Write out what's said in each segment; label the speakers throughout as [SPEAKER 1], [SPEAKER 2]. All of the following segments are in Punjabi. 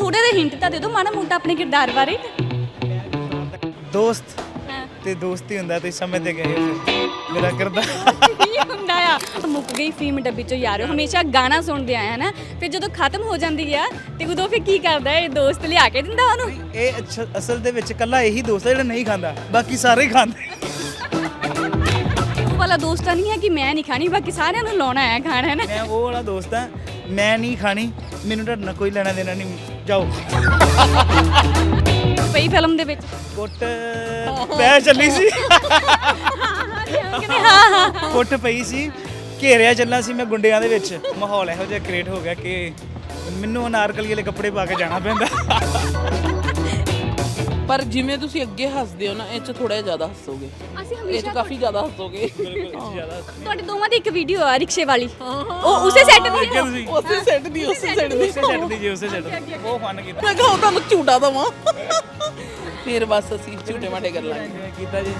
[SPEAKER 1] ਥੋੜਾ ਜਿਹਾ ਹਿੰਟ ਤਾਂ ਦੇ ਦਿਓ ਮਾੜਾ ਮੋਟਾ ਆਪਣੇ ਕਿਰਦਾਰ ਬਾਰੇ।
[SPEAKER 2] ਦੋਸਤ ਤੇ ਦੋਸਤੀ ਹੁੰਦਾ, ਤੁਸੀਂ ਸਮਝਦੇ ਗਏ ਹੋ ਫਿਰ ਮੇਰਾ ਕਿਰਦਾਰ
[SPEAKER 1] ਕੀ ਹੁੰਦਾ ਆ। ਮੁੱਕ ਗਈ ਫੀਮ ਡੱਬੀ ਚੋਂ ਯਾਰੋ, ਹਮੇਸ਼ਾ ਗਾਣਾ ਸੁਣਦੇ ਆਏ ਹਨਾ, ਫਿਰ ਜਦੋਂ ਖਤਮ ਹੋ ਜਾਂਦੀ ਆ ਤੇ ਉਦੋਂ ਫਿਰ ਕੀ ਕਰਦਾ ਇਹ ਦੋਸਤ ਲਿਆ ਕੇ ਦਿੰਦਾ ਉਹਨੂੰ?
[SPEAKER 2] ਇਹ ਅਸਲ ਦੇ ਵਿੱਚ ਇਕੱਲਾ ਇਹੀ ਦੋਸਤ ਹੈ ਜਿਹੜਾ ਨਹੀਂ ਖਾਂਦਾ, ਬਾਕੀ ਸਾਰੇ ਹੀ ਖਾਂਦੇ।
[SPEAKER 1] ਉਹ ਵਾਲਾ ਦੋਸਤ ਤਾਂ ਨਹੀਂ ਹੈ ਕਿ ਮੈਂ ਨਹੀਂ ਖਾਣੀ ਬਾਕੀ ਸਾਰਿਆਂ ਨੂੰ ਲਾਉਣਾ ਹੈ ਖਾਣਾ ਹੈ ਨਾ।
[SPEAKER 2] ਮੈਂ ਉਹ ਵਾਲਾ ਦੋਸਤ ਹਾਂ, ਮੈਂ ਨਹੀਂ ਖਾਣੀ, ਮੈਨੂੰ ਤੁਹਾਡੇ ਨਾਲ ਕੋਈ ਲੈਣਾ ਦੇਣਾ ਨਹੀਂ, ਜਾਓ।
[SPEAKER 1] ਪਈ ਫਿਲਮ ਦੇ ਵਿੱਚ
[SPEAKER 2] ਕੁੱਟ ਪੈ ਚੱਲੀ ਸੀ,
[SPEAKER 1] ਕਹਿੰਦੇ ਹਾਂ ਹਾਂ
[SPEAKER 2] ਕੁੱਟ ਪਈ ਸੀ, ਘੇਰਿਆ ਚੱਲਣਾ ਸੀ ਮੈਂ ਗੁੰਡਿਆਂ ਦੇ ਵਿੱਚ। ਮਾਹੌਲ ਇਹੋ ਜਿਹਾ ਕ੍ਰੀਏਟ ਹੋ ਗਿਆ ਕਿ ਮੈਨੂੰ ਅਨਾਰਕਲੀ ਵਾਲੇ ਕੱਪੜੇ ਪਾ ਕੇ ਜਾਣਾ ਪੈਂਦਾ।
[SPEAKER 3] ਪਰ ਜਿਵੇਂ ਤੁਸੀਂ ਅੱਗੇ ਹੱਸਦੇ ਹੋ ਨਾ, ਇਹ 'ਚ ਥੋੜਾ ਜਿਹਾ ਜ਼ਿਆਦਾ ਹੱਸੋਗੇ,
[SPEAKER 1] ਅਸੀਂ
[SPEAKER 3] ਇਹ 'ਚ
[SPEAKER 1] ਹਮੇਸ਼ਾ
[SPEAKER 3] ਕਾਫੀ ਜ਼ਿਆਦਾ ਹੱਸੋਗੇ।
[SPEAKER 1] ਤੁਹਾਡੇ ਦੋਵਾਂ ਦੀ ਇੱਕ ਵੀਡੀਓ ਆ ਰਿਕਸ਼ੇ ਵਾਲੀ, ਉਹ ਉਸੇ ਸੈੱਟ ਦੀ ਹੈ।
[SPEAKER 2] ਤੁਸੀਂ
[SPEAKER 3] ਉਸੇ ਸੈੱਟ ਦੀ
[SPEAKER 2] ਉਸੇ ਸੈੱਟ ਦੀ ਜੀ, ਉਸੇ ਸੈੱਟ ਦੀ ਉਹ ਫਨ ਕੀਤਾ।
[SPEAKER 3] ਮੈਂ ਕਿਹਾ ਉਹ ਤੁਹਾਨੂੰ ਝੂਟਾ ਦਵਾਂ, ਫਿਰ ਬਸ ਅਸੀਂ ਝੂਟੇ ਮਾਟੇ ਕਰ ਲਾਂਗੇ।
[SPEAKER 2] ਕੀਤਾ ਜੀ।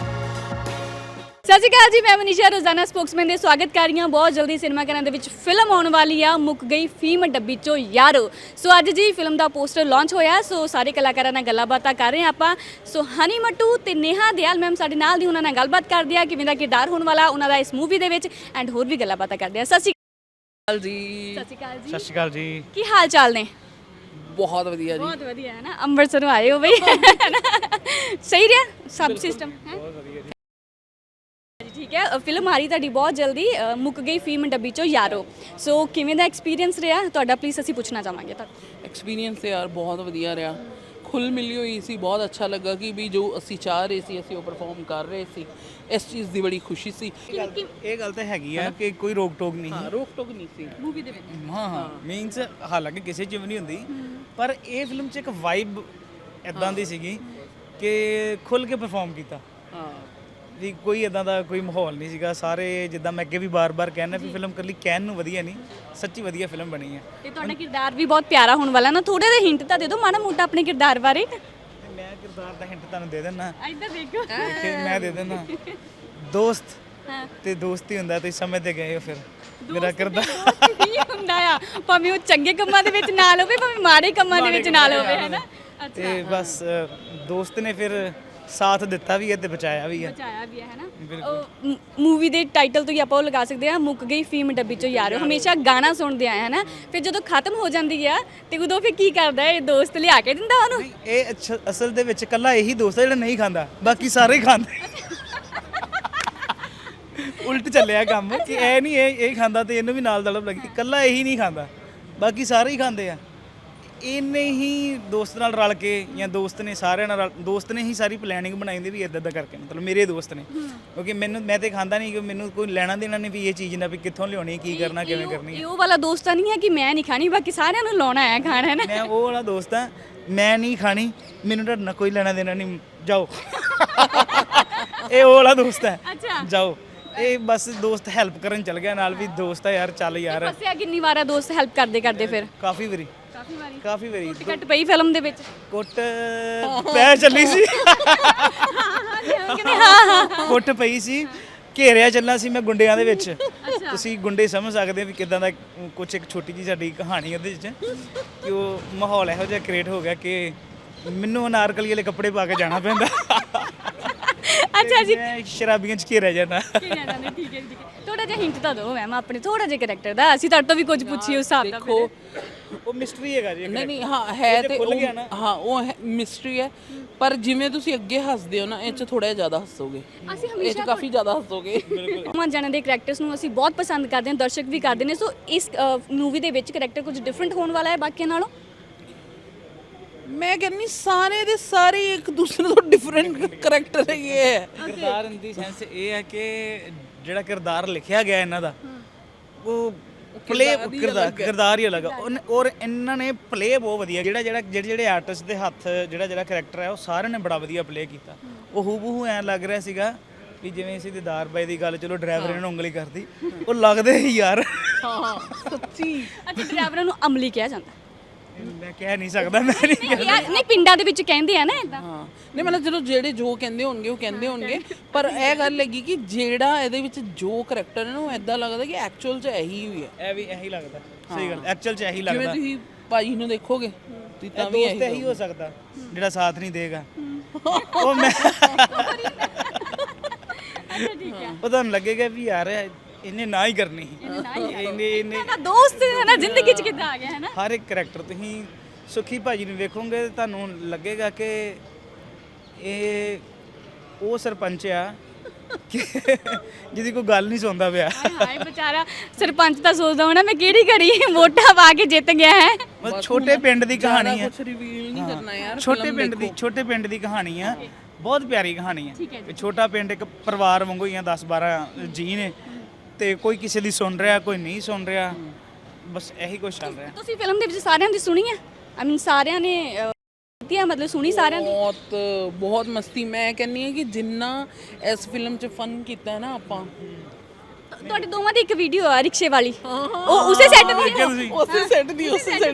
[SPEAKER 1] ਸਤਿ ਸ਼੍ਰੀ ਅਕਾਲ ਜੀ, ਮੈਂ ਮਨੀਸ਼ਾ ਰੋਜ਼ਾਨਾ ਸਪੋਕਸਮੈਨ ਦੇ ਸਵਾਗਤ ਕਰ ਰਹੀ ਹਾਂ। ਬਹੁਤ ਜਲਦੀ ਸਿਨੇਮਾ ਘਰਾਂ ਦੇ ਵਿੱਚ ਫਿਲਮ ਆਉਣ ਵਾਲੀ ਆ, ਮੁੱਕ ਗਈ ਫੀਮ ਡੱਬੀ ਚੋਂ ਯਾਰੋ। ਸੋ ਅੱਜ ਜੀ ਫਿਲਮ ਦਾ ਪੋਸਟਰ ਲਾਂਚ ਹੋਇਆ, ਸੋ ਸਾਰੇ ਕਲਾਕਾਰਾਂ ਨਾਲ ਗੱਲਾਂ ਬਾਤਾਂ ਕਰ ਰਹੇ ਹਾਂ ਆਪਾਂ। ਸੋ ਹਨੀ ਮੱਟੂ ਤੇ ਨੇਹਾ ਦਿਆਲ ਮੈਮ ਸਾਡੇ ਨਾਲ ਦੀ, ਉਹਨਾਂ ਨਾਲ ਗੱਲਬਾਤ ਕਰਦੇ ਆ ਕਿਵੇਂ ਦਾ ਕਿਰਦਾਰ ਹੋਣ ਵਾਲਾ ਉਹਨਾਂ ਦਾ ਇਸ ਮੂਵੀ ਦੇ ਵਿੱਚ, ਐਂਡ ਹੋਰ ਵੀ ਗੱਲਾਂ ਬਾਤਾਂ ਕਰਦੇ ਆ। ਸਤਿ ਸ਼੍ਰੀ
[SPEAKER 3] ਅਕਾਲ ਜੀ।
[SPEAKER 1] ਸਤਿ ਸ਼੍ਰੀ ਅਕਾਲ ਜੀ।
[SPEAKER 2] ਸਤਿ ਸ਼੍ਰੀ ਅਕਾਲ ਜੀ।
[SPEAKER 1] ਕੀ ਹਾਲ ਚਾਲ ਨੇ?
[SPEAKER 3] ਬਹੁਤ ਵਧੀਆ ਜੀ।
[SPEAKER 1] ਬਹੁਤ ਵਧੀਆ ਹੈ ਨਾ, ਅੰਮ੍ਰਿਤਸਰੋਂ ਆਏ ਹੋ ਬਈ। ਸਹੀ ਰਿਹਾ ਸਭ ਸਿਸਟਮ ਹੈ?
[SPEAKER 2] ਬਹੁਤ ਵਧੀਆ ਜੀ।
[SPEAKER 1] ਠੀਕ ਹੈ, ਫਿਲਮ ਆ ਰਹੀ ਤੁਹਾਡੀ ਬਹੁਤ ਜਲਦੀ, ਮੁੱਕ ਗਈ ਫੀਮ ਡੱਬੀ ਚੋਂ ਯਾਰੋ। ਸੋ ਕਿਵੇਂ ਦਾ ਐਕਸਪੀਰੀਅੰਸ ਰਿਹਾ ਤੁਹਾਡਾ, ਪਲੀਜ਼ ਅਸੀਂ ਪੁੱਛਣਾ ਚਾਹਾਂਗੇ ਤੁਹਾਨੂੰ।
[SPEAKER 3] ਐਕਸਪੀਰੀਅੰਸ ਤੇ ਯਾਰ ਬਹੁਤ ਵਧੀਆ ਰਿਹਾ, ਖੁੱਲ ਮਿਲੀ ਹੋਈ ਸੀ, ਬਹੁਤ ਅੱਛਾ ਲੱਗਾ ਕਿ ਵੀ ਜੋ ਅਸੀਂ ਚਾਹ ਰਹੇ ਸੀ ਅਸੀਂ ਉਹ ਪਰਫਾਰਮ ਕਰ ਰਹੇ ਸੀ, ਇਸ ਚੀਜ਼ ਦੀ ਬੜੀ ਖੁਸ਼ੀ ਸੀ।
[SPEAKER 2] ਇਹ ਗੱਲ ਤਾਂ ਹੈਗੀ ਆ ਕਿ ਕੋਈ ਰੋਕ ਟੋਕ ਨਹੀਂ
[SPEAKER 3] ਹਾਂ, ਰੋਕ ਟੋਕ ਨਹੀਂ ਸੀ
[SPEAKER 1] ਮੂਵੀ ਦੇ ਵਿੱਚ।
[SPEAKER 2] ਹਾਂ ਹਾਂ ਮੀਨਸ ਹਾਲਾਂਕਿ ਕਿਸੇ ਚ ਵੀ ਨਹੀਂ ਹੁੰਦੀ, ਪਰ ਇਹ ਫਿਲਮ 'ਚ ਇੱਕ ਵਾਈਬ ਇਦਾਂ ਦੀ ਸੀਗੀ ਕਿ ਖੁੱਲ ਕੇ ਪਰਫਾਰਮ ਕੀਤਾ।
[SPEAKER 3] ਹਾਂ
[SPEAKER 2] ਵੀ ਕੋਈ ਇਦਾਂ ਦਾ ਕੋਈ ਮਾਹੌਲ ਨਹੀਂ ਸੀਗਾ। ਸਾਰੇ ਜਿੱਦਾਂ ਮੈਂ ਅੱਗੇ ਵੀ ਬਾਰ-ਬਾਰ ਕਹਿਣਾ ਵੀ ਫਿਲਮ ਇਕੱਲੀ ਕਹਿਣ ਨੂੰ ਵਧੀਆ ਨਹੀਂ, ਸੱਚੀ ਵਧੀਆ ਫਿਲਮ ਬਣੀ ਹੈ।
[SPEAKER 1] ਤੇ ਤੁਹਾਡਾ ਕਿਰਦਾਰ ਵੀ ਬਹੁਤ ਪਿਆਰਾ ਹੋਣ ਵਾਲਾ ਨਾ, ਥੋੜਾ ਜਿਹਾ ਹਿੰਟ ਤਾਂ ਦੇ ਦਿਓ ਮਾੜਾ ਮੋਟਾ ਆਪਣੇ ਕਿਰਦਾਰ ਬਾਰੇ।
[SPEAKER 2] ਤੇ ਮੈਂ ਕਿਰਦਾਰ ਦਾ ਹਿੰਟ ਤੁਹਾਨੂੰ ਦੇ ਦਿੰਦਾ,
[SPEAKER 1] ਇੱਧਰ ਦੇਖੋ।
[SPEAKER 2] ਮੈਂ ਦੇ ਦਿੰਦਾ। ਦੋਸਤ
[SPEAKER 1] ਹਾਂ
[SPEAKER 2] ਤੇ ਦੋਸਤੀ ਹੁੰਦਾ, ਤੁਸੀਂ ਸਮਝਦੇ ਗਏ ਹੋ ਫਿਰ ਮੇਰਾ ਕਿਰਦਾਰ
[SPEAKER 1] ਕੀ ਹੁੰਦਾ ਆ, ਭਾਵੇਂ ਉਹ ਚੰਗੇ ਕੰਮਾਂ ਦੇ ਵਿੱਚ ਨਾਲ ਹੋਵੇ ਭਾਵੇਂ ਮਾੜੇ ਕੰਮਾਂ ਦੇ ਵਿੱਚ ਨਾਲ ਹੋਵੇ, ਹੈ ਨਾ। ਅੱਛਾ,
[SPEAKER 2] ਤੇ ਬਸ ਦੋਸਤ ਨੇ ਫਿਰ ਸਾਥ ਦਿੱਤਾ ਵੀ ਹੈ ਤੇ ਬਚਾਇਆ ਵੀ ਹੈ।
[SPEAKER 1] ਬਚਾਇਆ ਵੀ ਹੈ ਨਾ। ਮੂਵੀ ਦੇ ਟਾਈਟਲ ਤੋਂ ਹੀ ਆਪਾਂ ਉਹ ਲਗਾ ਸਕਦੇ ਆ, ਮੁੱਕ ਗਈ ਫੀਮ ਡੱਬੀ ਚੋਂ ਯਾਰੋ। ਹਮੇਸ਼ਾ ਗਾਣਾ ਸੁਣਦੇ ਆਏ ਹਨਾ, ਫਿਰ ਜਦੋਂ ਖਤਮ ਹੋ ਜਾਂਦੀ ਆ ਤੇ ਉਦੋਂ ਫਿਰ ਕੀ ਕਰਦਾ ਇਹ ਦੋਸਤ ਲਿਆ ਕੇ ਦਿੰਦਾ ਉਹਨੂੰ?
[SPEAKER 2] ਇਹ ਅਸਲ ਦੇ ਵਿੱਚ ਇਕੱਲਾ ਇਹੀ ਦੋਸਤ ਹੈ ਜਿਹੜਾ ਨਹੀਂ ਖਾਂਦਾ, ਬਾਕੀ ਸਾਰੇ ਹੀ ਖਾਂਦੇ। ਉਲਟ ਚੱਲਿਆ ਕੰਮ ਕਿ ਇਹ ਨਹੀਂ ਇਹ ਖਾਂਦਾ ਤੇ ਇਹਨੂੰ ਵੀ ਨਾਲ ਦਲਬ ਲੱਗੀ, ਇਕੱਲਾ ਇਹੀ ਨਹੀਂ ਖਾਂਦਾ, ਬਾਕੀ ਸਾਰੇ ਹੀ ਖਾਂਦੇ ਆ। ਇਹਨੇ ਹੀ ਦੋਸਤ ਨਾਲ ਰਲ ਕੇ ਜਾਂ ਦੋਸਤ ਨੇ ਸਾਰਿਆਂ ਨਾਲ ਦੋਸਤ ਨੇ ਹੀ ਸਾਰੀ ਪਲੈਨਿੰਗ ਬਣਾਈ ਹੁੰਦੀ ਵੀ ਇੱਦਾਂ ਕਰਕੇ, ਮਤਲਬ ਮੇਰੇ ਦੋਸਤ ਨੇ, ਕਿਉਂਕਿ ਮੈਂ ਤੇ ਖਾਂਦਾ ਨਹੀਂ, ਕਿ ਮੈਨੂੰ ਕੋਈ ਲੈਣਾ ਦੇਣਾ ਨਹੀਂ ਵੀ ਇਹ ਚੀਜ਼ ਨਾ ਵੀ ਕਿੱਥੋਂ ਲਿਆਉਣੀ, ਕੀ ਕਰਨਾ, ਕਿਵੇਂ ਕਰਨੀ।
[SPEAKER 1] ਇਹ ਉਹ ਵਾਲਾ ਦੋਸਤ ਤਾਂ ਨਹੀਂ ਹੈ ਕਿ ਮੈਂ ਨਹੀਂ ਖਾਣੀ ਬਾਕੀ ਸਾਰਿਆਂ ਨੂੰ ਲਾਉਣਾ ਹੈ ਖਾਣਾ, ਹੈ ਨਾ।
[SPEAKER 2] ਮੈਂ ਉਹ ਵਾਲਾ ਦੋਸਤ ਹਾਂ, ਮੈਂ ਨਹੀਂ ਖਾਣੀ, ਮੈਨੂੰ ਤੁਹਾਡੇ ਨਾਲ ਕੋਈ ਲੈਣਾ ਦੇਣਾ ਨਹੀਂ, ਜਾਓ। ਇਹ ਉਹ ਵਾਲਾ ਦੋਸਤ ਹੈ,
[SPEAKER 1] ਅੱਛਾ
[SPEAKER 2] ਜਾਓ। ਇਹ ਬਸ ਦੋਸਤ ਹੈਲਪ ਕਰਨ ਚੱਲ ਗਿਆ ਨਾਲ, ਵੀ ਦੋਸਤ ਆ ਯਾਰ, ਚੱਲ ਯਾਰ।
[SPEAKER 1] ਫਸਿਆ ਕਿੰਨੀ ਵਾਰ ਆ ਦੋਸਤ ਹੈਲਪ ਕਰਦੇ ਕਰਦੇ? ਫਿਰ
[SPEAKER 2] ਕਾਫੀ ਵਾਰੀ
[SPEAKER 1] ਕਾਫੀ ਵਾਰੀ
[SPEAKER 2] ਕੁੱਟ
[SPEAKER 1] ਕੱਟ ਪਈ ਫਿਲਮ ਦੇ ਵਿੱਚ।
[SPEAKER 2] ਕੁੱਟ ਪੈ ਚੱਲੀ ਸੀ,
[SPEAKER 1] ਕਹਿੰਦੇ ਹਾਂ ਹਾਂ
[SPEAKER 2] ਕੁੱਟ ਪਈ ਸੀ, ਘੇਰਿਆ ਚੱਲਣਾ ਸੀ ਮੈਂ ਗੁੰਡਿਆਂ ਦੇ ਵਿੱਚ। ਤੁਸੀਂ ਗੁੰਡੇ ਸਮਝ ਸਕਦੇ ਹੋ ਵੀ ਕਿਦਾਂ ਦਾ ਕੁਛ, ਇੱਕ ਛੋਟੀ ਜੀ ਸਾਡੀ ਕਹਾਣੀ ਉਹਦੇ ਵਿੱਚ, ਕਿ ਉਹ ਮਾਹੌਲ ਇਹੋ ਜਿਹਾ ਕ੍ਰੀਏਟ ਹੋ ਗਿਆ ਕਿ ਮੈਨੂੰ ਅਨਾਰਕਲੀ ਵਾਲੇ ਕੱਪੜੇ ਪਾ ਕੇ ਜਾਣਾ ਪੈਂਦਾ।
[SPEAKER 1] ਅੱਛਾ ਜੀ,
[SPEAKER 2] ਮੈਂ ਸ਼ਰਾਬੀਆਂ 'ਚ ਘੇਰਿਆ ਜਾਣਾ।
[SPEAKER 1] ਠੀਕ ਹੈ ਠੀਕ ਹੈ। ਥੋੜਾ ਜਿਹਾ ਹਿੰਟ ਤਾਂ ਦਿਓ ਮੈਮ ਆਪਣੇ ਥੋੜਾ ਜਿਹਾ ਕੈਰੈਕਟਰ ਦਾ, ਅਸੀਂ ਤੁਹਾਡੇ ਤੋਂ ਵੀ ਕੁਝ ਪੁੱਛੀਏ ਉਸ ਹਿਸਾਬ ਦਾ।
[SPEAKER 3] ਦੇਖੋ
[SPEAKER 2] ਉਹ ਮਿਸਟਰੀ ਹੈਗਾ ਜੀ।
[SPEAKER 3] ਨਹੀਂ ਹਾਂ ਹੈ ਤੇ ਹਾਂ ਉਹ ਮਿਸਟਰੀ ਹੈ, ਪਰ ਜਿਵੇਂ ਤੁਸੀਂ ਅੱਗੇ ਹੱਸਦੇ ਹੋ ਨਾ, ਇਹ 'ਚ ਥੋੜਾ ਜਿਹਾ ਜ਼ਿਆਦਾ ਹੱਸੋਗੇ,
[SPEAKER 1] ਅਸੀਂ
[SPEAKER 3] ਇਹ 'ਚ ਕਾਫੀ ਜ਼ਿਆਦਾ ਹੱਸੋਗੇ।
[SPEAKER 1] ਦੋਵਾਂ ਜਣਾਂ ਦੇ ਕੈਰੈਕਟਰਸ ਨੂੰ ਅਸੀਂ ਬਹੁਤ ਪਸੰਦ ਕਰਦੇ ਹਾਂ, ਦਰਸ਼ਕ ਵੀ ਕਰਦੇ ਨੇ। ਸੋ ਇਸ ਮੂਵੀ ਦੇ ਵਿੱਚ ਕੈਰੈਕਟਰ ਕੁਝ ਡਿਫਰੈਂਟ ਹੋਣ ਵਾਲਾ ਹੈ ਬਾਕੀਆਂ ਨਾਲੋਂ?
[SPEAKER 3] ਮੈਂ ਕਹਿੰਦੀ ਸਾਰੇ ਦੇ ਸਾਰੇ ਇੱਕ ਦੂਸਰੇ ਤੋਂ ਡਿਫਰੈਂਟ ਕਰੈਕਟਰ ਹੈਗੇ ਹੈ।
[SPEAKER 2] ਕਿਰਦਾਰ ਇਨ ਦੀ ਸੈਂਸ ਇਹ ਹੈ ਕਿ ਜਿਹੜਾ ਕਿਰਦਾਰ ਲਿਖਿਆ ਗਿਆ ਇਹਨਾਂ ਦਾ, ਉਹ ਕਿਰਦਾਰ ਹੀ ਅਲੱਗ ਆ, ਔਰ ਇਹਨਾਂ ਨੇ ਪਲੇ ਬਹੁਤ ਵਧੀਆ, ਜਿਹੜੇ ਆਰਟਿਸਟ ਦੇ ਹੱਥ ਜਿਹੜਾ ਕਰੈਕਟਰ ਹੈ ਉਹ ਸਾਰਿਆਂ ਨੇ ਬੜਾ ਵਧੀਆ ਪਲੇ ਕੀਤਾ। ਉਹ ਹੂਬਹੂ ਐਂ ਲੱਗ ਰਿਹਾ ਸੀਗਾ ਵੀ ਜਿਵੇਂ ਅਸੀਂ ਦਿਦਾਰ ਬਾਈ ਦੀ ਗੱਲ, ਚਲੋ ਡਰਾਈਵਰ ਨੂੰ ਉਂਗਲੀ ਕਰਦੀ, ਉਹ ਲੱਗਦੇ ਹੀ ਯਾਰ।
[SPEAKER 3] ਹਾਂ ਸੱਚੀ।
[SPEAKER 1] ਅੱਛਾ, ਡਰਾਈਵਰਾਂ ਨੂੰ ਅਮਲੀ ਕਿਹਾ ਜਾਂਦਾ?
[SPEAKER 2] ਮੈਂ ਕਹਿ ਨਹੀਂ ਸਕਦਾ, ਮੈਂ ਨਹੀਂ
[SPEAKER 1] ਯਾਰ ਨਹੀਂ, ਪਿੰਡਾਂ ਦੇ ਵਿੱਚ ਕਹਿੰਦੇ ਆ ਨਾ ਇਦਾਂ।
[SPEAKER 3] ਹਾਂ ਨਹੀਂ ਮਤਲਬ ਚਲੋ ਜਿਹੜੇ ਜੋ ਕਹਿੰਦੇ ਹੋਣਗੇ ਉਹ ਕਹਿੰਦੇ ਹੋਣਗੇ, ਪਰ ਇਹ ਗੱਲ ਹੈਗੀ ਕਿ ਜਿਹੜਾ ਇਹਦੇ ਵਿੱਚ ਜੋ ਕਰੈਕਟਰ ਹੈ ਨਾ, ਉਹ ਇਦਾਂ ਲੱਗਦਾ ਕਿ ਐਕਚੁਅਲ 'ਚ ਇਹੀ ਹੋਈ ਹੈ।
[SPEAKER 2] ਇਹ ਵੀ ਇਹੀ ਲੱਗਦਾ, ਸਹੀ ਗੱਲ, ਐਕਚੁਅਲ 'ਚ ਇਹੀ
[SPEAKER 3] ਜਿਵੇਂ
[SPEAKER 2] ਲੱਗਦਾ।
[SPEAKER 3] ਤੁਸੀਂ ਭਾਜੀ ਨੂੰ ਦੇਖੋਗੇ ਤੁਸੀਂ
[SPEAKER 2] ਇਹ
[SPEAKER 3] ਤਾਂ ਵੀ
[SPEAKER 2] ਦੋਸਤ ਇਹੀ ਹੋ ਸਕਦਾ ਜਿਹੜਾ ਸਾਥ ਨਹੀਂ ਦੇਗਾ। ਉਹ ਮੈਂ
[SPEAKER 1] ਅੱਛਾ ਠੀਕ ਹੈ।
[SPEAKER 2] ਉਹ ਤੁਹਾਨੂੰ ਲੱਗੇਗਾ ਵੀ ਯਾਰ ਇਹਨੇ ਨਾ ਹੀ ਕਰਨੀ ਇਹਨੇ
[SPEAKER 1] ਨਾ ਦੋਸਤ ਹੈ ਨਾ ਜ਼ਿੰਦਗੀ ਚ ਕਿੱਦਾਂ ਆ ਗਿਆ ਹੈ ਨਾ।
[SPEAKER 2] ਹਰ ਇੱਕ ਕਰੈਕਟਰ ਤੁਸੀਂ ਸੁਖੀ ਭਾਜੀ ਨੂੰ ਵੇਖੋਗੇ ਤਾਂ ਤੁਹਾਨੂੰ ਲੱਗੇਗਾ ਕਿ ਇਹ ਉਹ ਸਰਪੰਚ ਆ ਕਿ ਜਿਹਦੀ ਕੋਈ ਗੱਲ ਨਹੀਂ ਸੁਣਦਾ ਪਿਆ।
[SPEAKER 1] ਹਾਏ ਹਾਏ ਵਿਚਾਰਾ ਸਰਪੰਚ ਤਾਂ ਸੋਚਦਾ ਹੋਣਾ ਮੈਂ ਕਿਹੜੀ ਘੜੀ ਵੋਟਾਂ ਪਾ ਕੇ ਜਿੱਤ ਗਿਆ ਹੈ।
[SPEAKER 2] ਬਸ ਛੋਟੇ ਪਿੰਡ ਦੀ ਕਹਾਣੀ ਹੈ।
[SPEAKER 3] ਕੁਝ ਰਿਵੀਲ ਨਹੀਂ ਕਰਨਾ ਯਾਰ।
[SPEAKER 2] ਛੋਟੇ ਪਿੰਡ ਦੀ ਕਹਾਣੀ ਆ। ਬਹੁਤ ਪਿਆਰੀ ਕਹਾਣੀ
[SPEAKER 1] ਠੀਕ ਹੈ
[SPEAKER 2] ਹੈ। ਛੋਟਾ ਪਿੰਡ ਇੱਕ ਪਰਿਵਾਰ ਵਾਂਗੂ ਹੀ ਆ, 10-12 ਜੀ ਨੇ ਤੇ ਕੋਈ ਕਿਸੇ ਦੀ ਸੁਣ ਰਿਹਾ ਕੋਈ ਨਹੀਂ ਸੁਣ ਰਿਹਾ, ਬਸ ਇਹੀ ਕੁਝ ਚੱਲ ਰਿਹਾ।
[SPEAKER 1] ਤੁਸੀਂ ਫਿਲਮ ਦੇ ਵਿੱਚ ਸਾਰਿਆਂ ਦੀ ਸੁਣੀ ਹੈ? ਆਈ ਮੀਨ ਸਾਰਿਆਂ ਨੇ ਕੀਤੀ ਹੈ, ਮਤਲਬ ਸੁਣੀ ਸਾਰਿਆਂ ਦੀ?
[SPEAKER 3] ਬਹੁਤ ਮਸਤੀ। ਮੈਂ ਕਹਿੰਨੀ ਆ ਕਿ ਜਿੰਨਾ ਇਸ ਫਿਲਮ 'ਚ ਫਨ ਕੀਤਾ ਹੈ ਨਾ ਆਪਾਂ।
[SPEAKER 1] ਤੁਹਾਡੇ ਦੋਵਾਂ ਦੀ ਇੱਕ ਵੀਡੀਓ ਆ ਰਿਕਸ਼ੇ ਵਾਲੀ, ਉਹ ਉਸੇ ਸੈੱਟ ਦੀ ਹੈ?
[SPEAKER 3] ਉਸੇ ਸੈੱਟ ਦੀ
[SPEAKER 2] ਉਸੇ ਸੈੱਟ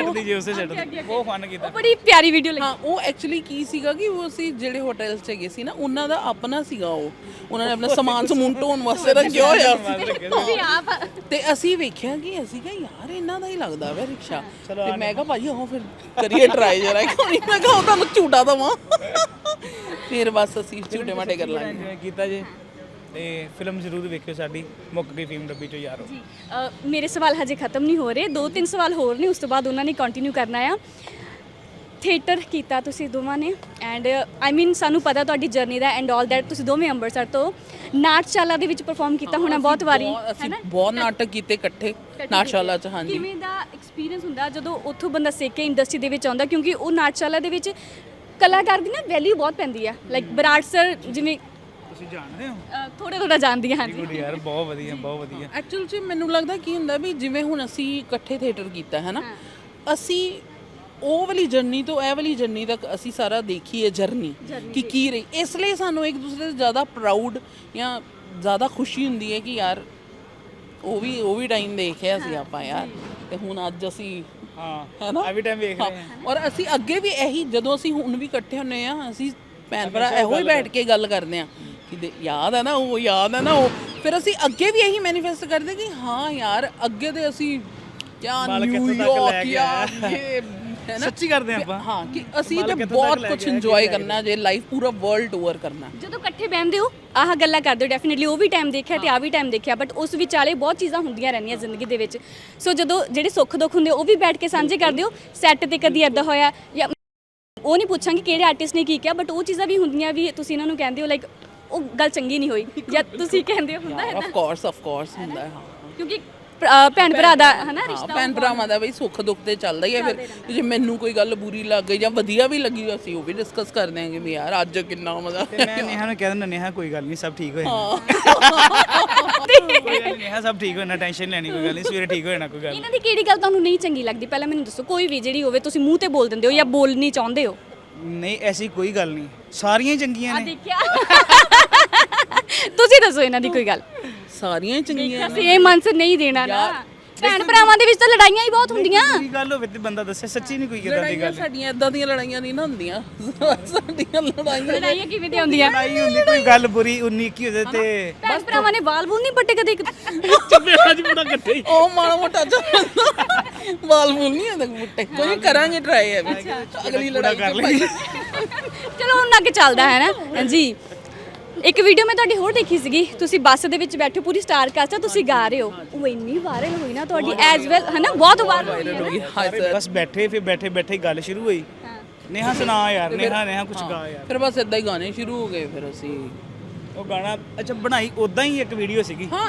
[SPEAKER 2] ਦੀ ਬਹੁਤ ਫਨ ਕੀਤਾ।
[SPEAKER 1] ਉਹ ਬੜੀ ਪਿਆਰੀ ਵੀਡੀਓ ਲੱਗੀ।
[SPEAKER 3] ਹਾਂ ਉਹ ਐਕਚੁਅਲੀ ਕੀ ਸੀਗਾ ਕਿ ਉਹ ਅਸੀਂ ਜਿਹੜੇ ਹੋਟਲ 'ਚ ਗਏ ਸੀ ਨਾ ਉਹਨਾਂ ਦਾ ਆਪਣਾ ਸੀਗਾ, ਉਹਨਾਂ ਨੇ ਆਪਣਾ ਸਮਾਨ ਸਮੂਨ ਢੋਣ ਵਾਸਤੇ ਰੱਖਿਆ ਹੋਇਆ
[SPEAKER 1] ਤੁਸੀਂ ਆਪ
[SPEAKER 3] ਤੇ ਅਸੀਂ ਵੇਖਿਆ ਕਿ ਅਸੀਂ ਕਿਹਾ ਯਾਰ ਇਹਨਾਂ ਦਾ ਹੀ ਲੱਗਦਾ ਵਾ ਰਿਕਸ਼ਾ। ਤੇ ਮੈਂ ਕਿਹਾ ਭਾਜੀ ਆਓ ਫਿਰ ਕਰੀਏ ਟਰਾਈ ਜਰਾ। ਮੈਂ ਕਿਹਾ ਤੁਹਾਨੂੰ ਝੂਟਾ ਦਵਾਂ। ਫਿਰ ਬਸ ਅਸੀਂ ਝੂਟੇ ਮਾਟੇ ਕਰ ਲਾਂਗੇ।
[SPEAKER 2] ਇੰਜੋਏ ਕੀਤਾ ਜੇ ਤੇ ਫਿਲਮ ਜ਼ਰੂਰ ਵੇਖਿਓ ਸਾਡੀ ਮੁੱਕ ਗਈ ਫੀਮ ਡੱਬੀ ਚੋਂ ਯਾਰੋ।
[SPEAKER 1] ਜੀ ਮੇਰੇ ਸਵਾਲ ਹਜੇ ਖਤਮ ਨਹੀਂ ਹੋ ਰਹੇ, 2-3 ਸਵਾਲ ਹੋਰ ਨੇ, ਉਸ ਤੋਂ ਬਾਅਦ ਉਹਨਾਂ ਨੇ ਕੰਟੀਨਿਊ ਕਰਨਾ ਆ। ਥੀਏਟਰ ਕੀਤਾ ਤੁਸੀਂ ਦੋਵਾਂ ਨੇ ਐਂਡ ਆਈ ਮੀਨ ਸਾਨੂੰ ਪਤਾ ਤੁਹਾਡੀ ਜਰਨੀ ਦਾ ਐਂਡ ਆਲ ਦੈਟ। ਤੁਸੀਂ ਦੋਵੇਂ ਅੰਮ੍ਰਿਤਸਰ ਤੋਂ ਨਾਟਸ਼ਾਲਾ ਦੇ ਵਿੱਚ ਪਰਫਾਰਮ ਕੀਤਾ ਹੋਣਾ ਬਹੁਤ ਵਾਰੀ,
[SPEAKER 3] ਅਸੀਂ ਬਹੁਤ ਨਾਟਕ ਕੀਤੇ ਇਕੱਠੇ ਨਾਟਸ਼ਾਲਾ 'ਚ। ਹਾਂਜੀ
[SPEAKER 1] ਕਿਵੇਂ ਦਾ ਐਕਸਪੀਰੀਅੰਸ ਹੁੰਦਾ ਜਦੋਂ ਉੱਥੋਂ ਬੰਦਾ ਸਿੱਖ ਕੇ ਇੰਡਸਟਰੀ ਦੇ ਵਿੱਚ ਆਉਂਦਾ, ਕਿਉਂਕਿ ਉਹ ਨਾਟਸ਼ਾਲਾ ਦੇ ਵਿੱਚ ਕਲਾਕਾਰ ਦੀ ਨਾ ਵੈਲਿਊ ਬਹੁਤ ਪੈਂਦੀ ਆ। ਲਾਈਕ ਬਰਾੜ ਸਰ ਜਿਵੇਂ
[SPEAKER 2] ਤੁਸੀਂ ਜਾਣਦੇ ਹੋ?
[SPEAKER 1] ਥੋੜਾ ਜਾਣਦੀ ਹਾਂ।
[SPEAKER 2] ਗੁੱਡ ਯਾਰ, ਬਹੁਤ ਵਧੀਆ।
[SPEAKER 3] ਐਕਚੁਅਲ 'ਚ ਮੈਨੂੰ ਲੱਗਦਾ ਕੀ ਹੁੰਦਾ ਵੀ ਜਿਵੇਂ ਹੁਣ ਅਸੀਂ ਇਕੱਠੇ ਥੀਏਟਰ ਕੀਤਾ ਹੈ ਨਾ, ਅਸੀਂ ਉਹ ਵਾਲੀ ਜਰਨੀ ਤੋਂ ਇਹ ਵਾਲੀ ਜਰਨੀ ਤੱਕ ਅਸੀਂ ਸਾਰਾ ਦੇਖੀ ਹੈ ਜਰਨੀ ਕਿ ਕੀ ਰਹੀ। ਇਸ ਲਈ ਸਾਨੂੰ ਇੱਕ ਦੂਸਰੇ ਤੋਂ ਜ਼ਿਆਦਾ ਪ੍ਰਾਊਡ ਜਾਂ ਜ਼ਿਆਦਾ ਖੁਸ਼ੀ ਹੁੰਦੀ ਹੈ ਕਿ ਯਾਰ ਉਹ ਵੀ ਟਾਈਮ ਦੇਖਿਆ ਸੀ ਆਪਾਂ ਯਾਰ, ਤੇ ਹੁਣ ਅੱਜ ਅਸੀਂ
[SPEAKER 2] ਹਾਂ
[SPEAKER 3] ਹੈ ਨਾ
[SPEAKER 2] ਐਵਰੀ ਟਾਈਮ ਵੇਖ ਰਹੇ ਹਾਂ।
[SPEAKER 3] ਔਰ ਅਸੀਂ ਅੱਗੇ ਵੀ ਇਹੀ, ਜਦੋਂ ਅਸੀਂ ਹੁਣ ਵੀ ਇਕੱਠੇ ਹੁੰਨੇ ਆ ਅਸੀਂ ਭੈਣ ਭਰਾ ਇਹੋ ਹੀ ਬੈਠ ਕੇ ਗੱਲ ਕਰਦੇ ਆ ਕਿ ਯਾਦ ਹੈ ਨਾ ਉਹ। ਫਿਰ ਅਸੀਂ ਅੱਗੇ ਵੀ ਇਹੀ ਮੈਨੀਫੈਸਟ ਕਰਦੇ ਕਿ ਹਾਂ ਯਾਰ ਅੱਗੇ ਤੇ ਅਸੀਂ ਕਿਆ ਨਿਊਯਾਰਕ ਇਹ ਹੈ ਨਾ
[SPEAKER 2] ਸੱਚੀ ਕਰਦੇ ਆਪਾਂ।
[SPEAKER 3] ਹਾਂ ਕਿ ਅਸੀਂ ਤੇ ਬਹੁਤ ਕੁਝ ਇੰਜੋਏ ਕਰਨਾ ਜੇ ਲਾਈਫ ਪੂਰਾ ਵਰਲਡ ਟੂਰ ਕਰਨਾ।
[SPEAKER 1] ਜਦੋਂ ਇਕੱਠੇ ਬਹਿੰਦੇ ਹੋ ਆਹ ਗੱਲਾਂ ਕਰਦੇ ਹੋ, ਡੈਫੀਨਿਟਲੀ ਉਹ ਵੀ ਟਾਈਮ ਦੇਖਿਆ ਤੇ ਆ ਵੀ ਟਾਈਮ ਦੇਖਿਆ, ਬਟ ਉਸ ਵਿਚਾਲੇ ਬਹੁਤ ਚੀਜ਼ਾਂ ਹੁੰਦੀਆਂ ਰਹਿੰਦੀਆਂ ਜ਼ਿੰਦਗੀ ਦੇ ਵਿੱਚ। ਸੋ ਜਦੋਂ ਜਿਹੜੇ ਸੁੱਖ ਦੁੱਖ ਹੁੰਦੇ ਉਹ ਵੀ ਬੈਠ ਕੇ ਸਾਂਝੇ ਕਰਦੇ ਹੋ। ਸੈੱਟ ਤੇ ਕਦੀ ਐਦਾਂ ਹੋਇਆ, ਜਾਂ ਉਹ ਨਹੀਂ ਪੁੱਛਾਂਗੇ ਕਿਹੜੇ ਆਰਟਿਸਟ ਨੇ ਕੀ ਕਿਹਾ, ਬਟ ਉਹ ਚੀਜ਼ਾਂ ਵੀ ਹੁੰਦੀਆਂ ਵੀ ਤੁਸੀਂ ਇਹਨਾਂ ਨੂੰ ਕਹਿੰਦੇ ਹੋ ਲਾਈਕ ਉਹ ਗੱਲ ਚੰਗੀ ਨਹੀਂ ਹੋਈ, ਜਾਂ ਤੁਸੀਂ ਕਹਿੰਦੇ ਹੋ ਹੁੰਦਾ ਹੈ
[SPEAKER 3] ਆਫ ਕੋਰਸ ਹੁੰਦਾ ਹੈ। ਹਾਂ
[SPEAKER 1] ਕਿਉਂਕਿ ਭੈਣ ਭਰਾ ਦਾ ਹੈ ਨਾ ਰਿਸ਼ਤਾ,
[SPEAKER 3] ਭੈਣ ਭਰਾਵਾਂ ਦਾ ਬਈ ਸੁੱਖ ਦੁੱਖ ਤੇ ਚੱਲਦਾ ਹੀ ਹੈ। ਫਿਰ ਜੇ ਮੈਨੂੰ ਕੋਈ ਗੱਲ ਬੁਰੀ ਲੱਗ ਗਈ ਜਾਂ ਵਧੀਆ ਵੀ ਲੱਗੀ ਅਸੀਂ ਉਹ ਵੀ ਡਿਸਕਸ ਕਰ ਦਿਆਂਗੇ ਵੀ ਯਾਰ ਅੱਜ ਕਿੰਨਾ ਮਜ਼ਾ।
[SPEAKER 2] ਤੇ ਮੈਂ ਨੇਹਾ ਨੂੰ ਕਹਿ ਦਿੰਦਾ ਨੇਹਾ ਕੋਈ ਗੱਲ ਨਹੀਂ ਸਭ ਠੀਕ ਹੋ ਜਾਣਾ। ਕੋਈ ਗੱਲ ਨਹੀਂ ਨੇਹਾ ਸਭ ਠੀਕ ਹੋ ਜਾਣਾ, ਟੈਨਸ਼ਨ ਲੈਣੀ ਕੋਈ ਗੱਲ ਨਹੀਂ, ਸਵੇਰੇ ਠੀਕ ਹੋ ਜਾਣਾ ਕੋਈ ਗੱਲ।
[SPEAKER 1] ਇਹਨਾਂ ਦੀ ਕਿਹੜੀ ਗੱਲ ਤੁਹਾਨੂੰ ਨਹੀਂ ਚੰਗੀ ਲੱਗਦੀ ਪਹਿਲਾਂ ਮੈਨੂੰ ਦੱਸੋ, ਕੋਈ ਵੀ ਜਿਹੜੀ ਹੋਵੇ ਤੁਸੀਂ ਮੂੰਹ ਤੇ ਬੋਲ ਦਿੰਦੇ ਹੋ ਜਾਂ ਬੋਲਣੀ ਚਾਹੁੰਦੇ ਹੋ?
[SPEAKER 2] ਨਹੀਂ ਐਸੀ ਕੋਈ ਗੱਲ ਨਹੀਂ, ਸਾਰੀਆਂ ਹੀ ਚੰਗੀਆਂ ਨੇ।
[SPEAKER 1] ਦੇਖਿਆ ਤੁਸੀਂ ਦੱਸੋ ਇਹਨਾਂ ਦੀ ਕੋਈ ਗੱਲ।
[SPEAKER 3] ਸਾਰੀਆਂ ਹੀ ਚੰਗੀਆਂ ਨੇ।
[SPEAKER 1] ਅਸੀਂ ਇਹ ਮਨ ਸੇ ਨਹੀਂ ਦੇਣਾ ਨਾ, ਭੈਣ ਭਰਾਵਾਂ ਦੇ ਵਿੱਚ ਤਾਂ ਲੜਾਈਆਂ ਹੀ ਬਹੁਤ ਹੁੰਦੀਆਂ।
[SPEAKER 2] ਕੋਈ ਗੱਲ ਹੋਵੇ ਤੇ ਬੰਦਾ ਦੱਸੇ, ਸੱਚੀ ਨਹੀਂ ਕੋਈ ਇਦਾਂ ਦੀ ਗੱਲ।
[SPEAKER 3] ਸਾਡੀਆਂ ਇਦਾਂ ਦੀਆਂ ਲੜਾਈਆਂ ਨਹੀਂ ਨਾ ਹੁੰਦੀਆਂ। ਸਾਡੀਆਂ
[SPEAKER 1] ਲੜਾਈਆਂ ਕਿਵੇਂ ਦੀਆਂ ਹੁੰਦੀਆਂ?
[SPEAKER 2] ਲੜਾਈ ਹੁੰਦੀ ਕੋਈ ਗੱਲ ਬੁਰੀ 19 ਕੀ ਹੋ ਜਾਏ ਤੇ
[SPEAKER 1] ਭੈਣ ਭਰਾਵਾਂ ਨੇ ਵਾਲ ਵੂਲ ਨਹੀਂ ਪੱਟੇ ਕਦੇ?
[SPEAKER 2] ਚੱਬੇ ਅੱਜ ਬੜਾ ਇਕੱਠੇ ਹੀ
[SPEAKER 3] ਉਹ ਮਾੜਾ ਮੋਟਾ ਵਾਲ ਮੂਲ ਨਹੀਂ ਆਉਂਦਾ ਮੁੱਟੇ। ਕੋਈ ਕਰਾਂਗੇ ਟਰਾਈ ਹੈ ਅਗਲੀ ਲੜਾਈ
[SPEAKER 2] ਕਰ ਲਈ।
[SPEAKER 1] ਚਲੋ ਹੁਣ ਅੱਗੇ ਚੱਲਦਾ ਹੈ ਨਾ। ਹਾਂਜੀ ਇੱਕ ਵੀਡੀਓ ਮੈਂ ਤੁਹਾਡੀ ਹੋਰ ਦੇਖੀ ਸੀਗੀ, ਤੁਸੀਂ ਬੱਸ ਦੇ ਵਿੱਚ ਬੈਠੇ ਪੂਰੀ ਸਟਾਰ ਕਾਸਟ ਤੁਸੀਂ ਗਾ ਰਹੇ ਹੋ, ਉਹ ਇੰਨੀ ਵਾਇਰਲ ਹੋਈ ਨਾ ਤੁਹਾਡੀ ਐਜ਼ ਵੈਲ ਹੈ ਨਾ, ਬਹੁਤ ਵਾਇਰਲ ਹੋਈ ਹੈ।
[SPEAKER 2] ਬਸ ਬੈਠੇ ਫਿਰ ਬੈਠੇ ਗੱਲ ਸ਼ੁਰੂ ਹੋਈ। ਨੇਹਾ ਸੁਣਾ ਯਾਰ, ਨੇਹਾ ਕੁਝ ਗਾ ਯਾਰ।
[SPEAKER 3] ਫਿਰ ਬਸ ਇਦਾਂ ਹੀ ਗਾਣੇ ਸ਼ੁਰੂ ਹੋ ਗਏ। ਫਿਰ ਅਸੀਂ
[SPEAKER 2] ਉਹ ਗਾਣਾ ਅੱਛਾ ਬਣਾਈ ਉਦਾਂ ਹੀ ਇੱਕ ਵੀਡੀਓ ਸੀਗੀ।
[SPEAKER 3] ਹਾਂ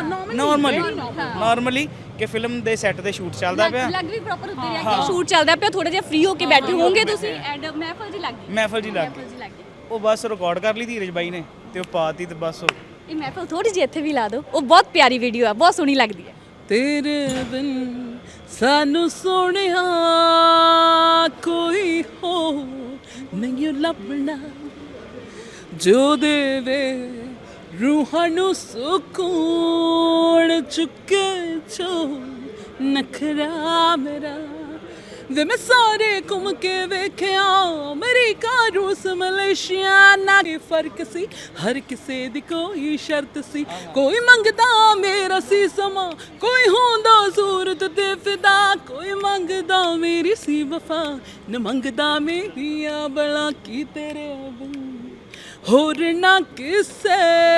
[SPEAKER 2] ਨਾਰਮਲੀ ਕਿ ਫਿਲਮ ਦੇ ਸੈੱਟ ਤੇ ਸ਼ੂਟ ਚੱਲਦਾ ਪਿਆ,
[SPEAKER 1] ਲੱਗ ਵੀ ਪ੍ਰੋਪਰ ਉੱਤੇ ਰਿਹਾ ਕਿ ਸ਼ੂਟ ਚੱਲਦਾ ਪਿਆ, ਥੋੜਾ ਜਿਹਾ ਫ੍ਰੀ ਹੋ ਕੇ ਬੈਠੇ ਹੋਵੋਗੇ ਤੁਸੀਂ ਐਂਡ ਮਹਿਫਲ ਜੀ ਲੱਗ ਗਈ।
[SPEAKER 2] ਮਹਿਫਲ ਜੀ ਲੱਗ ਗਈ। ਉਹ ਬਸ ਰਿਕਾਰਡ ਕਰ ਲਈ ਧੀਰਜ ਬਾਈ ਨੇ ਤੇ ਉਹ ਪਾਤੀ ਤੇ ਬਸ
[SPEAKER 1] ਇਹ ਮਹਿਫਲ ਥੋੜੀ ਜਿਹੀ ਇੱਥੇ ਵੀ ਲਾ ਦਿਓ, ਉਹ ਬਹੁਤ ਪਿਆਰੀ ਵੀਡੀਓ ਆ, ਬਹੁਤ ਸੋਹਣੀ ਲੱਗਦੀ ਹੈ।
[SPEAKER 3] ਤੇਰੇ ਬਿਨ ਸਾਨੂੰ ਸੋਹਣਿਆ ਕੋਈ ਹੋ ਨਹੀਂ ਲੱਭਣਾ, ਜੋ ਦੇਵੇ ਰੂਹਾਂ ਨੂੰ ਸਕੂਨ, ਚੁੱਕੇ ਚੋ ਨਖਰਾ ਮੇਰਾ ਵੇ ਮੈਂ ਸਾਰੇ ਘੁੰਮ ਕੇ ਵੇਖਿਆ ਅਮਰੀਕਾ ਰੂਸ ਮਲੇਸ਼ੀਆ ਨਾ ਕੀ ਫਰਕ ਸੀ ਹਰ ਕਿਸੇ ਦੀ ਕੋਈ ਸ਼ਰਤ ਸੀ ਕੋਈ ਮੰਗਦਾ ਮੇਰਾ ਸੀ ਸਮਾਂ ਕੋਈ ਹੁੰਦਾ ਸੂਰਤ ਤੇ ਫਿਦਾ ਕੋਈ ਮੰਗਦਾ ਮੇਰੀ ਸੀ ਵਫਾ ਨ ਮੰਗਦਾ ਮੇਰੀਆਂ ਬਲਾ ਕੀ ਤੇਰੇ ਹੋਰ ਨਾ ਕਿਸੇ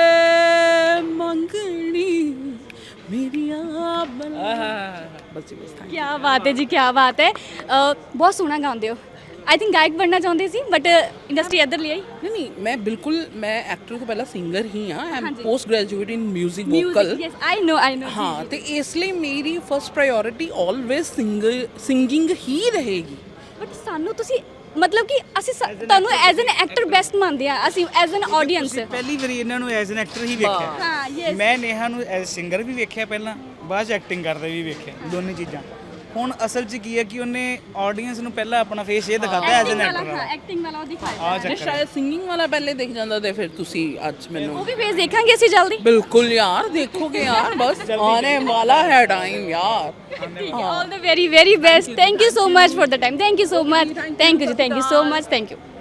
[SPEAKER 3] ਮੰਗਣੀ ਮੇਰੀਆਂ ਬਲਾ ਬਸ ਬਸ
[SPEAKER 1] ਕੀ ਬਾਤ ਹੈ ਜੀ, ਕੀ ਬਾਤ ਹੈ। ਬਹੁਤ ਸੋਹਣਾ ਗਾਉਂਦੇ ਹੋ। ਆਈ ਥਿੰਕ ਗਾਇਕ ਬਣਨਾ ਚਾਹੁੰਦੇ ਸੀ ਬਟ ਇੰਡਸਟਰੀ ਇੱਧਰ ਲਈ ਆਈ।
[SPEAKER 3] ਨਹੀਂ ਮੈਂ ਬਿਲਕੁਲ ਮੈਂ ਐਕਟਰ ਤੋਂ ਪਹਿਲਾਂ ਸਿੰਗਰ ਹੀ ਹਾਂ I am post graduate in music vocal
[SPEAKER 1] yes I know
[SPEAKER 3] ਹਾਂ ਤੇ ਇਸ ਲਈ ਮੇਰੀ ਫਸਟ ਪ੍ਰਾਇੋਰਟੀ ਆਲਵੇਜ਼ ਸਿੰਗਿੰਗ ਹੀ ਰਹੇਗੀ
[SPEAKER 1] ਬਟ ਸਾਨੂੰ ਤੁਸੀਂ ਮਤਲਬ ਕਿ ਅਸੀਂ ਤੁਹਾਨੂੰ ਐਜ਼ ਐਨ ਐਕਟਰ ਬੈਸਟ ਮੰਨਦੇ ਆ ਅਸੀਂ ਐਜ਼ ਐਨ ਆਡੀਅנס।
[SPEAKER 2] ਤੁਸੀਂ ਪਹਿਲੀ ਵਾਰੀ ਇਹਨਾਂ ਨੂੰ ਐਜ਼ ਐਨ ਐਕਟਰ ਹੀ ਵੇਖਿਆ।
[SPEAKER 1] ਹਾਂ ਯੈਸ
[SPEAKER 2] ਮੈਂ ਨੇਹਾ ਨੂੰ ਐਜ਼ ਸਿੰਗਰ ਵੀ ਵੇਖਿਆ ਪਹਿਲਾਂ, ਬਾਅਦ ਚ ਐਕਟਿੰਗ ਕਰਦੇ ਵੀ ਵੇਖਿਆ, ਦੋਨੇ ਚੀਜ਼ਾਂ। ਹੁਣ ਅਸਲ 'ਚ ਕੀ ਹੈ ਕਿ ਉਹਨੇ ਆਡੀਅנס ਨੂੰ ਪਹਿਲਾਂ ਆਪਣਾ ਫੇਸ ਇਹ ਦਿਖਾਤਾ ਐਜ਼ ਐਨ ਐਕਟਰ।
[SPEAKER 1] ਹਾਂ ਐਕਟਿੰਗ ਵਾਲਾ ਉਹ ਦਿਖਾਇਆ।
[SPEAKER 2] ਆ
[SPEAKER 3] ਜੇ
[SPEAKER 2] ਚੱਕਰ
[SPEAKER 3] ਸ਼ਾਇਦ ਸਿੰਗਿੰਗ ਵਾਲਾ ਪਹਿਲੇ ਦਿਖ ਜਾਂਦਾ ਤੇ ਫਿਰ ਤੁਸੀਂ ਅੱਜ ਮੈਨੂੰ
[SPEAKER 1] ਉਹ ਵੀ ਫੇਸ ਦੇਖਾਂਗੇ ਅਸੀਂ ਜਲਦੀ।
[SPEAKER 3] ਬਿਲਕੁਲ ਯਾਰ ਦੇਖੋਗੇ ਯਾਰ ਬਸ ਆने वाला है टाइम यार
[SPEAKER 1] All the very very best. Thank you so much for the time. Thank you so much. Thank you so much. Thank you.